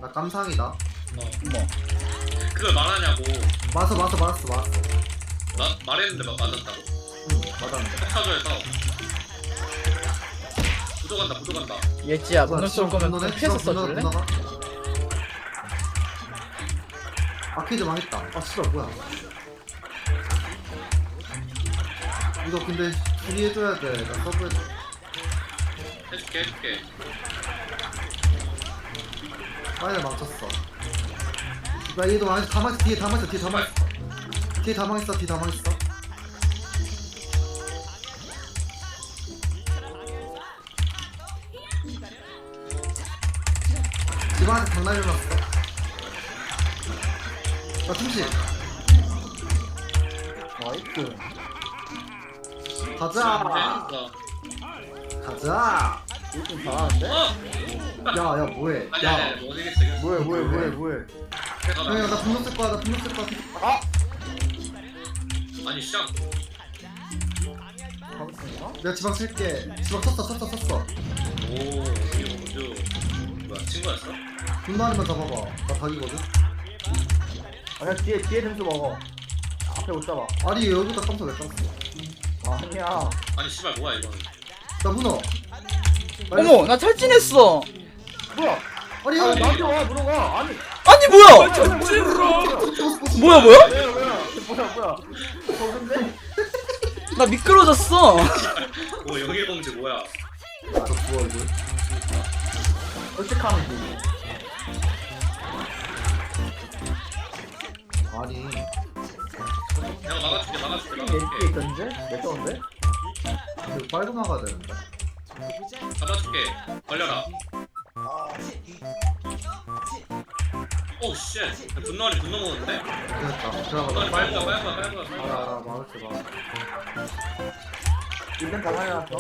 나 깜상이다. 어머. 그걸 말하냐고. 맞았어. 말했는데 맞았다고? 응, 맞았는데. 폭사조에서 부족한다. 예지야 뭐야, 문을 쏠 거면 분노네? 피해서 분노가, 써줄래? 분노가? 아케이드 망했다. 아 씨발 뭐야. 이거 근데 수리해줘야 돼. 나 서브에 해줄게. 파이널 망쳤어. 나 얘도 망했어. 다 망했어. 뒤에 다 망했어. 뒤에 다 망했어. 집안한테 장난 일어났어. 나 충실. 나이스. 가자. 이거 잘하는데? 야 뭐해. 야. 못 이겼어. 뭐해. 형이야 나 분노 쓸 거야. 아니 시작. 잡았습니다. 내가 지방 쓸게. 지방 썼어. 오 이거 먼저 뭐야 친구였어? 분노 하나만 잡아봐. 나 닭이거든. 아, 그냥 뒤에 점수 먹어. 앞에 못 잡아. 아니 여기다 깜짝 왜 깜짝. 아니야. 아니 씨발 뭐야 이거는. 나 문어. 어머 나 탈진했어. 뭐야? 아니 아, 형. 나한테 와, 물어봐. 아니. 아니 뭐야? 뭐야? 뭐야? 저건데? 나 미끄러졌어. 오 영일공주 뭐야? 저 부어 이거. 어색함이지. 아니. 내가 막아줄게. 내 뒤에 있던데? 내 건데? 이거 빨고 나가야 되는데. 잡아줄게. 걸려라. 오 쉣. 분노 먹었는데? 됐다. 분노 들어가. 빨리 가. 알아. 막을게. 일단 다 살려놨어.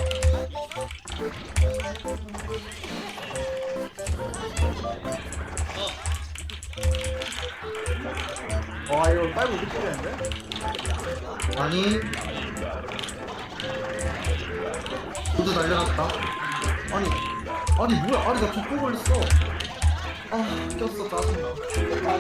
와, 이거 빨고 이렇게 되는데? 아니. 모두 날려놨다. 아니 뭐야? 아니 나 족보 걸렸어. 아 꼈어 짜증나.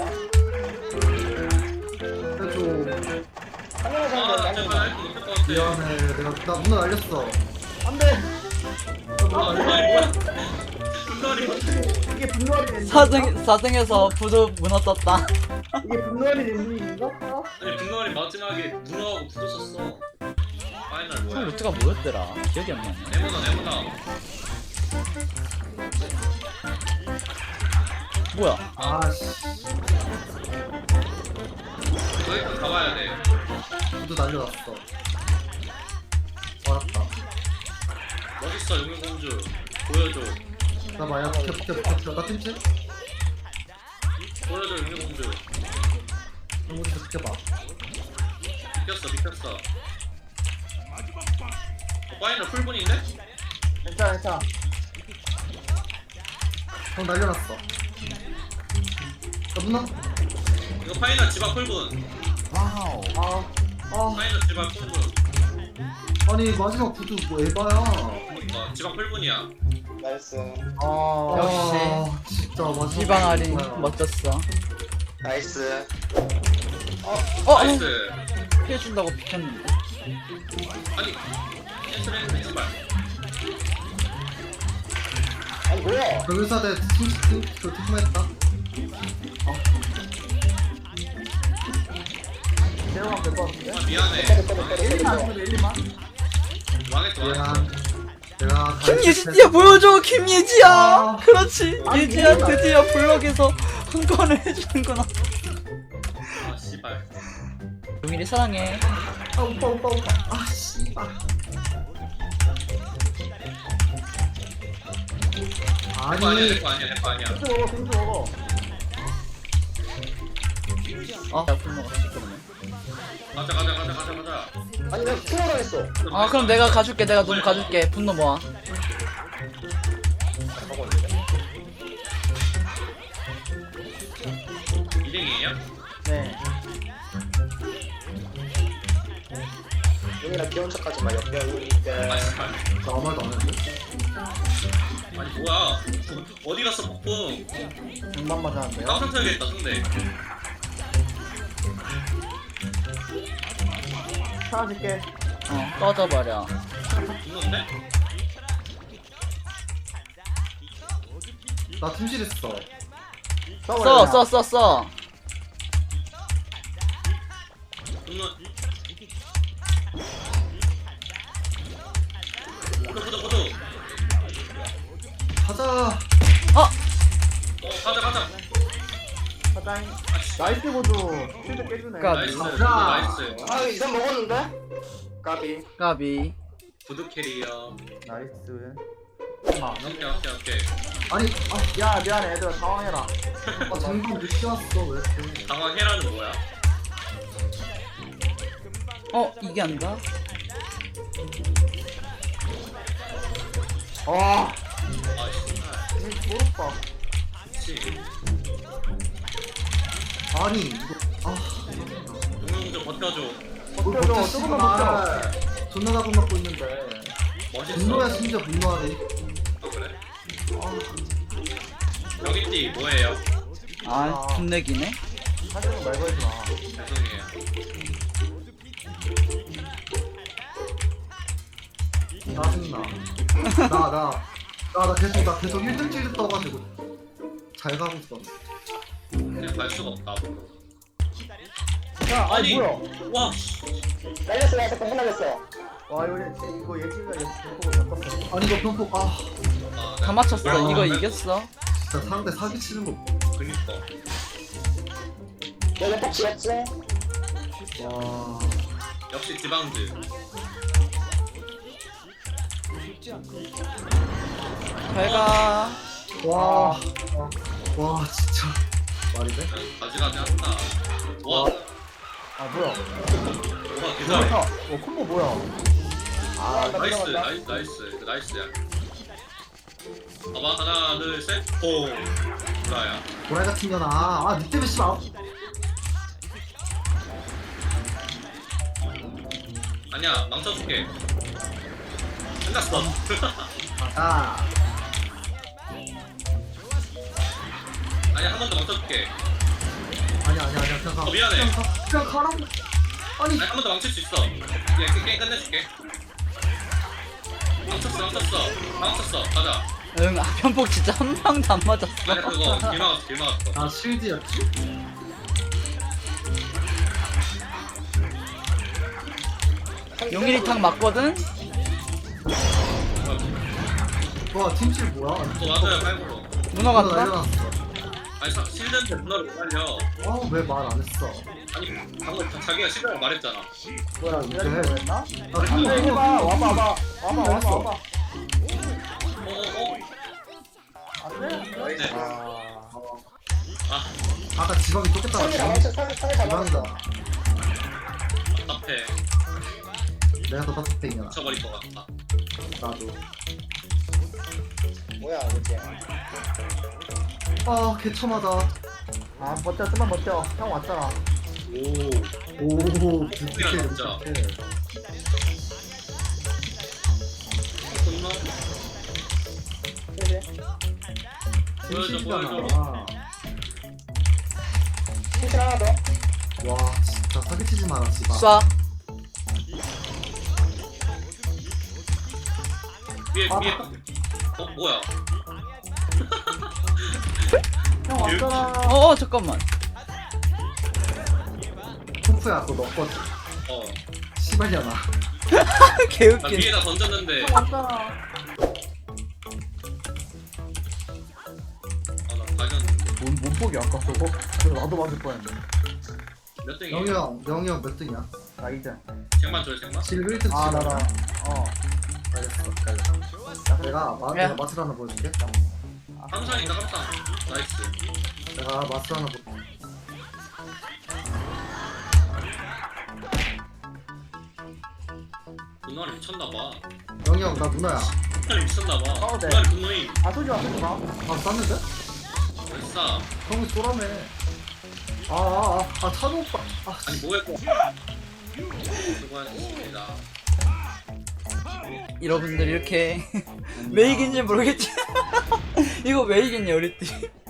해줘. 아 제발 할거 못할 것 같아. 미안해. 나 문어 날렸어. 안 돼! 분노리 뭐야? 분노리 이게 분노하는 엔딩. 4등에서 부두 문어 떴다. 이게 분노하는 엔딩인가? 아니 분노리 마지막에 문어하고 붙었었어. 파이널 형 뭐야? 루트가 뭐였더라? 기억이 안 나네. 네모나. 뭐야? 아씨. 여기까지 가봐야 돼. 모두 날려놨어. 알았다. 멋있어 영일공주. 보여줘. 나 마야 비켜. 나 팀치? 보여줘 영일공주. 형 모두 비켜봐. 비켰어. 파이널 풀분인데? 괜찮아. 형 날려놨어. 나 문어? 이거 파이널 집앞 풀분. 아, 파이널 집앞 풀분. 아니 마지막 구두 뭐 에바야. 집앞 풀분이야. 나이스. 역시. 진짜 마지막 희방아리 구두야. 멋졌어. 나이스. 나이스. 피해준다고 비켰는데. 아니 캔슬 했는데 제발. 아니 뭐야? 변호사대 그 특무했다. 내려가면 될것 같은데? 아 미안해. 1리만 하면 돼, 1리만. 망했어. 미안. 내가 김예지 뛰어 보여줘 김예지야. 아. 그렇지. 예지야 드디어 블럭에서 한 건을 해주는구나. 아 씨발. 용일이 사랑해. 아 오빠. 아 씨발. 아니 내거 아니야. 점수 먹어. 야 불먹었지 그러면. 가자. 아니 나 투어를 했어. 아 그럼 내가 가줄게. 내가 너무 가줄게. 분노 모아. 이등이에요? 네. 용이나 귀여운 척하지 마. 아 역병이니까. 씨발. 나 아무 말도 안 했는데. 아니 뭐야? 어디 갔어 폭풍? 중반 맞았는데요? 깜짝 쳐야겠다 상대. 사라질게. 꺼져버려. 죽는데? 나 팀실했어. 써. 죽는. 보도. 가자. 가자. 사장님. 나이스 보조. 실드 깨주네. 까비. 나이스. 가자. 나이스. 아 이상 먹었는데? 까비. 까비. 구두 캐리어. 나이스. 오케이. 아니, 야 미안해 얘들아 당황해라. 장군 늦게 왔어. 왜 이렇게. 당황해라는 뭐야? 이게 아닌가? 아 아이씨. 모르겠다. 그치. 아니, 이거. 용용 좀 버텨줘. 버텨줘. 조금만 버텨. 존나 나고 맞고 있는데. 멋있어. 분노야 심지어 분노하네. 그래? 여기띠 뭐예요? 분내기네. 사실은 말 걸지 마. 죄송해요. 짜증나. 나 계속 1등 찔 떠가지고 잘 가고 있어. 그냥 갈 수가 없다. 야 아니 아니. 뭐야? 와, 씨. 날렸어 공부 날렸어. 와 이거 예지가 예지 보고 잡았어. 아니 이거 병폭 다 맞췄어. 아, 이거 네. 이겼어. 진짜 상대 사기 치는 거. 그니까. 내가 딱 지었지? 와. 역시 지방즈. 잘가. 와 진짜 말이 돼? 가지가지 한다. 와, 아 뭐야? 와, 좋다. 기다려. 콤보 뭐야? 아 나이스야. 봐봐, 하나, 둘, 셋, 오. 뭐야? 고라이 같은 년아. 니 때문에 씨발. 아니야, 망쳐줄게. 끝났어. 아. 아니야, 한 번 더 망쳐줄게. 아니야 그냥 가. 미안해. 그냥 가라고. 아니 아니, 한 번 더 망칠 수 있어. 게임 끝내줄게. 망쳤어. 가자. 응, 편폭 진짜 한 방도 안 맞았어. 아니야, 그거 길 막았어. 나 실드였지. 용일이탕 맞거든? 와 팀실 뭐야? 또 맞아요, 팔고로. 문어 같다? 날려놨어. 아니, 실드한테 문화를 못 날려. 왜 말 안 했어? 아니, 방금 자기가 실드라고 말했잖아. 뭐야? 이제. 기다리는 거였나? 나 한번 팀실 해봐. 와봐. 어어어. 안돼? 이제. 아, 아까 지방이 쫓겼다. 상대 다 맞췄어. 상대 다 맞췄어. 지방이다. 답답해. 내가 더 따뜻해이냐. 미쳐버릴 것 같다. 나도. 뭐야 이제. 개처마다. 아 버텨. 좀만 버텨. 형 왔잖아. 오. 부캐 진짜. 끝나? 그래. 팀실이잖아. 팀실 하나 더. 와 진짜 사기치지 마라 지방. 쏴. 위에. 뭐야? 형 왔잖아. 잠깐만. 토프야 그거 너 거지. 씨발이야나. 나 개웃긴. 위에다 던졌는데. 형 왔잖아. 나 가졌는데. 몸폭이 아까 그거? 그래서 나도 맞을 뻔했네. 몇 등이야? 영희 형 몇 등이야? 나 이제. 책만 줘요, 책만. 질 1등 아 나라. 알겠어. 내가 야. 마술 하나 보여줄게. 항상이다, 항상. 나이스. 내가 마술 하나 보여줄게. 분노하리 미쳤나봐. 영희 형 나 누나야. 분노하리 미쳤나봐. 네. 분노하리 분노임. 아 쏘지 마. 쐈는데? 됐어. 형이 쏘라며. 찬우 오빠. 아니, 뭐했고. 수고하셨습니다. 여러분들 이렇게 왜 이긴지 모르겠지. 이거 왜 이겼냐 우리 팀.